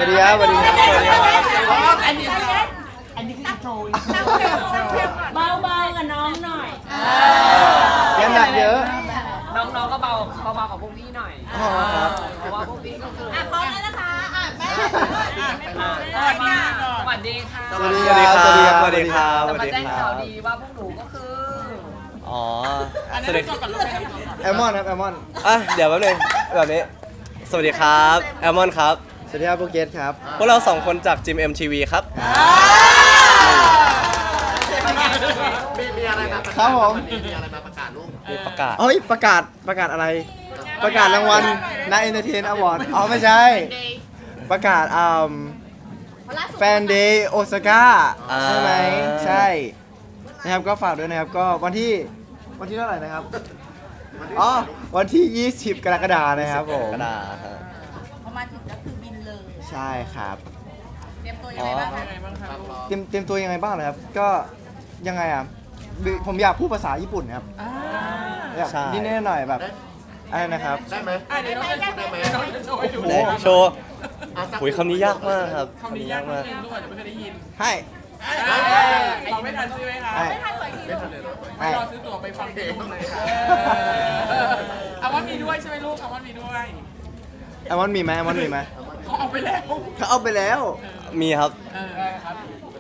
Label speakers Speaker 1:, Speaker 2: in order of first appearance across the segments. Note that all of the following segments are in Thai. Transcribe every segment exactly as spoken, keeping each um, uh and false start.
Speaker 1: วัสดีครับสวัสดีครับสวัสดีครับ
Speaker 2: อันนี้อันนี้คืออินโทรเบาๆกับน้องหน่อย
Speaker 1: ยังหนักเยอะ
Speaker 3: น้องๆก็เบาเบาๆกับพวกพี่หน่อย
Speaker 1: อ๋อครับ
Speaker 3: เพราะว่าพวกพี่ก็คือ
Speaker 2: อ่ะพร้อมแล้วนะคะอ่ะแม่อ่ะแม่พร้อม
Speaker 3: สวัสดีสวัสดีค่ะ
Speaker 1: สวัสดีครับสวัสดีครับ
Speaker 4: สวัสดีครับ
Speaker 3: จะมาแจ้งข่าวดีว่าพวกหนูก็คือ
Speaker 4: อ๋อสวัสดี
Speaker 1: แอลมอนครับแอลมอน
Speaker 4: อ่ะเดี๋ยวแป๊บนึงแบบนี้ สวัสดีครับแอลมอนครับ
Speaker 1: สวัสดีครับโปรเกตครับ
Speaker 4: พวกเราสองคนจากจิม เอ็ม ที วี ครับ
Speaker 5: มีอะไรมาประ
Speaker 1: ครั
Speaker 5: กา
Speaker 1: บ
Speaker 5: ศ
Speaker 1: ผม
Speaker 5: มีอะไรมาประกาศลูก
Speaker 4: มีประกาศ
Speaker 1: เฮ้ยประกาศประกาศอะไร ประกาศรางวัลนายเอนเตอร์เทนอวอร์ดอ๋อไม่ใช่ ประกาศอ่าแฟนเดย์โอซาก้า
Speaker 4: อ่า
Speaker 1: ใช่ไหมใช่นะครับก็ฝากด้วยนะครับก็วันที่วันที่เท่าไหร่นะครับอ๋อวันที่ ยี่สิบ กรกฎาคมนะครับผม
Speaker 4: กระดาษฮะ
Speaker 2: พอมาถึงก็คือบินเลย
Speaker 1: ใช่ครับ
Speaker 2: เตรียมตัวยังไงบ้างคะ
Speaker 1: เตรียมเตรียมตัวยังไงบ้างเลยครับก็ยังไงอ่ะบิผมอยากพูดภาษาญี่ปุ่นครับอยาก
Speaker 4: ใช่
Speaker 1: นิดๆหน่อยๆแบบอะไรนะครับ
Speaker 5: ได้ไหมได้ไหมได้ไหม
Speaker 1: โอ้โห
Speaker 4: ไหนโชว์
Speaker 5: อ่ะสัก
Speaker 4: หุยคำนี้ยากมากครับคำนี้ยากมาก
Speaker 1: ให้
Speaker 6: เราไม่ทันใช่ไหมคะ
Speaker 1: ให้ให้
Speaker 6: รอซื้อตั๋วไปฟังเพลงเลยค่ะอาวันมีด้วยใช่ไหมลูกอาวันมีด้วย
Speaker 1: แอมอนมีไหมแอมอนมีไหม
Speaker 6: เขาเอาไปแล้ว
Speaker 1: เขาเอาไปแล้ว
Speaker 4: มีครับ
Speaker 6: เออครับ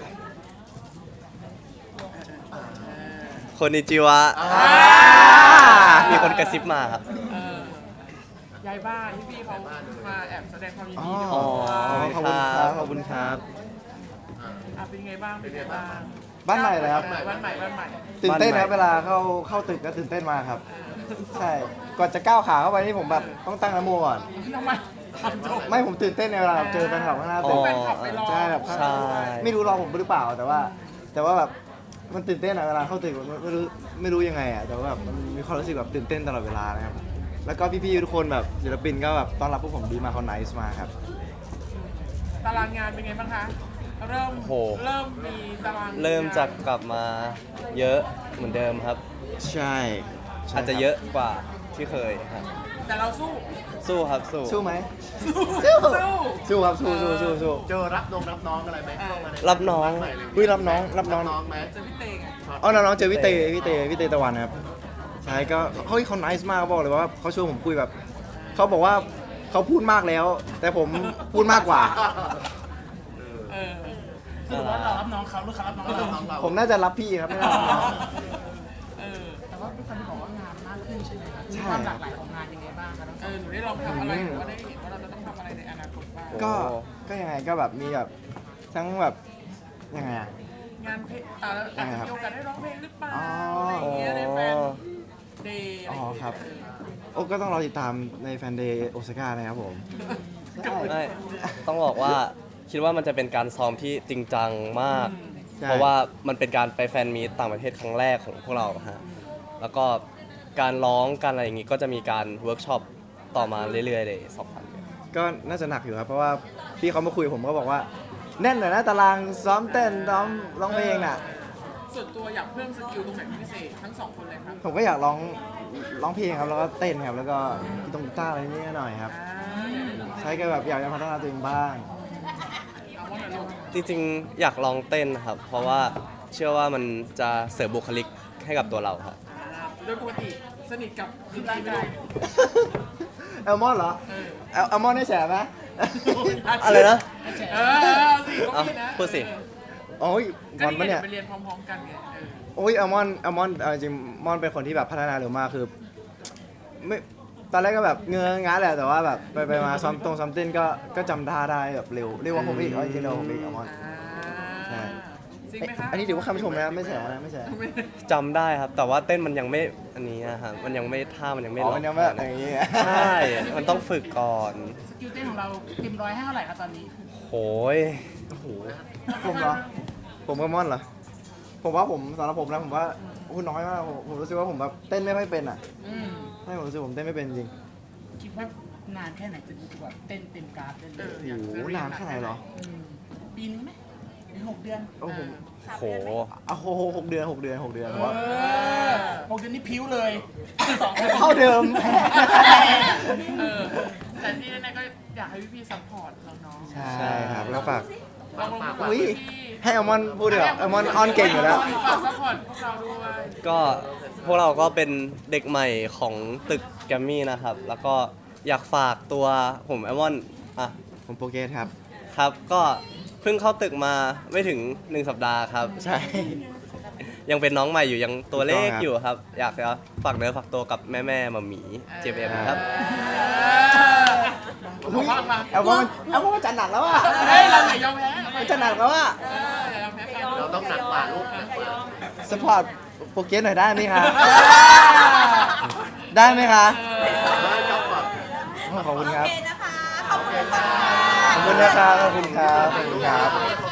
Speaker 4: คนนิจิวะ มีคนกระซิบมาครับ
Speaker 6: เออย้ายบ้านที่พี่เขามาแอบแสดงความยิน
Speaker 1: อ๋อ
Speaker 6: ดีด้วย
Speaker 4: อ๋อ
Speaker 1: ขอบคุณครับขอบคุณครับ
Speaker 6: อ่ะเป็นไงบ้างเป็นไงบ้าง
Speaker 1: บ้านใหม่เลยครับ
Speaker 6: เออบ้านใหม่บ้านใหม่
Speaker 1: ตื่นเต้นครับ
Speaker 4: บ้านใหม่
Speaker 1: เวลาเข้าเข้าตึกก็ตื่นเต้นมากครับ ใช่ก่อนจะก้าวขาเข้าไปนี่ผมแบบต้องตั้งนะโมก่อน
Speaker 6: ทำไมทำจบ
Speaker 1: ไม่ผมตื่นเต้นในเวลาแบบเจอแฟนคลับข้างหน้าตึก
Speaker 6: แฟนคลับไปรอ
Speaker 1: ใช่แบบ
Speaker 4: ใช่
Speaker 1: ไม่รู้รอผมหรือเปล่าแต่ว่า แต่ว่าแบบมันตื่นเต้นอะเวลาเข้าตึกมันไม่รู้ไม่รู้ยังไงอะแต่ว่าแบบมันมีความรู้สึกแบบตื่นเต้นตลอดเวลานะครับแล้วก็พี่ๆทุกคนแบบศิลปินก็แบบต้อนรับพวกผมดีมากเขาไนส์มากครับ
Speaker 6: ตารางงานเป็นไงบ้างคะ เริ่ม
Speaker 4: โห
Speaker 6: เริ่มมีตาราง
Speaker 4: เริ่มจากกลับมาเยอะเหมือนเดิมครับ
Speaker 1: ใช่ใช่
Speaker 4: อาจจะเยอะกว่าที่เคยครับ
Speaker 6: แต่เราสู้
Speaker 4: สู้ครับสู้
Speaker 1: สู้ไหม
Speaker 6: สู้
Speaker 1: สู้ครับสู้สู้สู้สู้
Speaker 5: เจอรับน้องรับน้องอะไรไหมเข้ามาใน
Speaker 4: รับน้อง
Speaker 5: ใหม่เลย
Speaker 1: อุ้ยรับน้องรับน้อง
Speaker 5: น้องไหม
Speaker 6: เจอพี่เตงอะ
Speaker 1: อ๋อน้องๆเจอพี่เตพี่เตพี่เตตะวันครับใช่ก็เฮ้ยเขาไนส์มากเขาบอกเลยว่าเขาชวนผมคุยแบบเขาบอกว่าเขาพูดมากแล้ว แต่ผมพูดมากกว่า
Speaker 6: เออคือว่าเรารับน้องเขาหรือเขารับน้องเรา
Speaker 5: น้องเรา
Speaker 1: ผมน่าจะรับพี่ครับไม่รับน้อง
Speaker 6: เออแต่ว่าพี่คันบอกว่างานมากขึ้นใช่ไหมครับ
Speaker 1: ใช่
Speaker 6: ความหลากหลายของงานยังไงบ้างคะเออหนูได้ลองทำอะไรหรือว่าได้เห็นว่าเราจะต้องทำอะไรในอนาคตบ้าง
Speaker 1: ก็ก็ยังไงก็แบบมีแบบทั้งแบบยังไงอะ
Speaker 6: งานเพลงอ่าแล้วอาจจะมีโอกาสได้ร้องเพลงหรือเปล่า
Speaker 1: อ๋ออ
Speaker 6: อะไรอย่างเงี้ยในแฟนเดย์อะไร
Speaker 1: อ๋
Speaker 6: อ
Speaker 1: อย่าง
Speaker 6: เงี้ย
Speaker 1: ครับโอ้ก็ต้องรอติดตามในแฟนเดย์โอซาก้านะครับผมใช่
Speaker 4: ไม่ต้องบอกว่าคิดว่ามันจะเป็นการซ้อมที่จริงจังมาก
Speaker 1: ใช่
Speaker 4: เพราะว่ามันเป็นการไปแฟนมีตต่างประเทศครั้งแรกของพวกเราฮะแล้วก็การร้องการอะไรอย่างงี้ก็จะมีการเวิร์กช็อปต่อมาเรื่อยๆเลยสองพัน
Speaker 1: ก็น่าจะหนักอยู่ครับเพราะว่าพี่เขามาคุยกับผมก็บอกว่าแน่นหน่อยนะตารางซ้อมเต้นซ้อมร้องเพลงน่ะ
Speaker 6: ส่วนตัวอยากเพิ่มสกิลตรงไหนเป็นพิเศษทั้งสองคนเลยครับ
Speaker 1: ผมก็อยากร้องร้องเพลงครับแล้วก็เต้นครับแล้วก็กีตงกีตาร์อะไรนิดหน่อยครับ
Speaker 6: อ่า
Speaker 1: ใช้ก็แบบอยากจะพัฒนาตัวเองบ้าง
Speaker 6: เอาว่าหน่อยลูก
Speaker 4: จริงๆ อยากลองเต้นครับ เพราะว่าเชื่อว่ามันจะเสริมบุคลิกให้กับตัวเราครับ
Speaker 6: อ่าโดยปกติสนิทกับคุณร่างกาย
Speaker 1: แอลมอนเหรอ
Speaker 6: เออ
Speaker 1: แอลแอลมอนได้แฉไหม
Speaker 4: อะไรนะ
Speaker 6: เออเอาสิก็
Speaker 4: เอา
Speaker 6: มีนะ
Speaker 4: พูดสิ
Speaker 1: โอ้ย
Speaker 6: ก็
Speaker 1: มอน
Speaker 6: นี่
Speaker 1: ปะ
Speaker 6: ไง
Speaker 1: เนี่ย
Speaker 6: เดี๋ยวไปเรียนพร้อมๆกันไงเออ
Speaker 1: โอ้ยแอลมอนแอลมอนเอาจริงมอนเป็นคนที่แบบพัฒนาเร็วมากคือไม่ตอนแรกก็แบบเงื้องาแหละแต่ว่าแบบไปไปมาซ้อมตรงซ้อมเต้นก็ก็จำท่าได้แบบเร็วเรียกว่าผมอีกเอาจริงๆเราผมอีกแอลมอน ใช่
Speaker 6: จริงไหมคะ
Speaker 1: อันนี้ถือว่าคำชมนะไม่แฉนะไม่แฉ
Speaker 4: จำได้ครับ แต่ว่าเต้นมันยังไม่อันนี้อะครับมันยังไม่ท่ามันยังไม่
Speaker 1: อ๋อ
Speaker 4: ล็อก
Speaker 1: มันยังไม่แบบอย่างนี้
Speaker 4: ใช่ มันต้องฝึกก่อน
Speaker 6: สกิลเต้นของเราเต็มร้อยให้เท่าไหร่คะตอนนี้
Speaker 4: โหย
Speaker 1: โอ้โหผมเหรอผมกับมอนเหรอผมว่าผมสำหรับผมนะผมว่าคุณน้อยมากผมผมรู้สึกว่าผมแบบเต้นไม่ค่อยเป็นอ่ะ
Speaker 6: อืม
Speaker 1: ใช่ผมรู้สึกผมเต้นไม่เป็นจริง
Speaker 2: คิดว่านานแค่ไหนจะรู้สึกว่าเต้นเต็มกราฟได้เล
Speaker 6: เอย อ
Speaker 1: โอ้
Speaker 6: อยาก
Speaker 1: โห
Speaker 6: จะเรีย
Speaker 1: นานแค่ไหนเหรอ
Speaker 2: อืมปีนึงไหมหรือหกเดือน
Speaker 1: โอ้โห
Speaker 4: โห
Speaker 1: เอาโหหกเดือนหกเดือนหกเดือนผมว่า
Speaker 2: เออหกเดือนนี่พิ้วเลยสองคน
Speaker 1: เท่าเดิม
Speaker 6: เออแต่ที่แน่ๆก็อยากให้พี่ๆซัพพอร์ตน้องๆ
Speaker 1: ใช่แล้วฝาก
Speaker 6: ลองลง
Speaker 1: อุ้ยให้อัลมอนด์พูดดีกว่าอัลมอนด์ออนเก่งอยู่แล้ว
Speaker 6: ฝากซัพพอร์ตพวกเราด้วย
Speaker 4: ก็พวกเราก็เป็นเด็กใหม่ของตึกแกรมมี่นะครับ แล้วก็อยากฝากตัวผมแอมอนอ่ะ
Speaker 1: ผมโปรเกสครับ
Speaker 4: ครับ ก็เพิ่งเข้าตึกมาไม่ถึงหนึ่งสัปดาห์ครับ
Speaker 1: ใช่
Speaker 4: ยังเป็นน้องใหม่อยู่ยังตัวเลข
Speaker 1: ถูกต้องครับ
Speaker 4: อยู่ครับ อยากจะฝากเนื้อฝากตัวกับแม่แม่ๆมาหมีเจมเอ็มครับ
Speaker 6: บอกว่ามา
Speaker 1: แอลมอนด์แอลมอนด์มันจัดหนักแล้วอ่ะ
Speaker 6: เฮ้ยเราอย่ายอมแพ้
Speaker 1: มันจัดหนักแล้วอ่ะ
Speaker 6: เอออย่ายอมแพ้กัน
Speaker 5: เราต้องหนักกว่าลูกหนักกว่า
Speaker 1: สปอร์ตโปรเกสหน่อยได้ไหมคะได้ไหมคะ ขอบคุณครับ
Speaker 2: โอเคนะคะ ขอบคุณค่ะ
Speaker 1: ขอบคุณนะครับ ขอบคุณครับ ขอบคุณครับ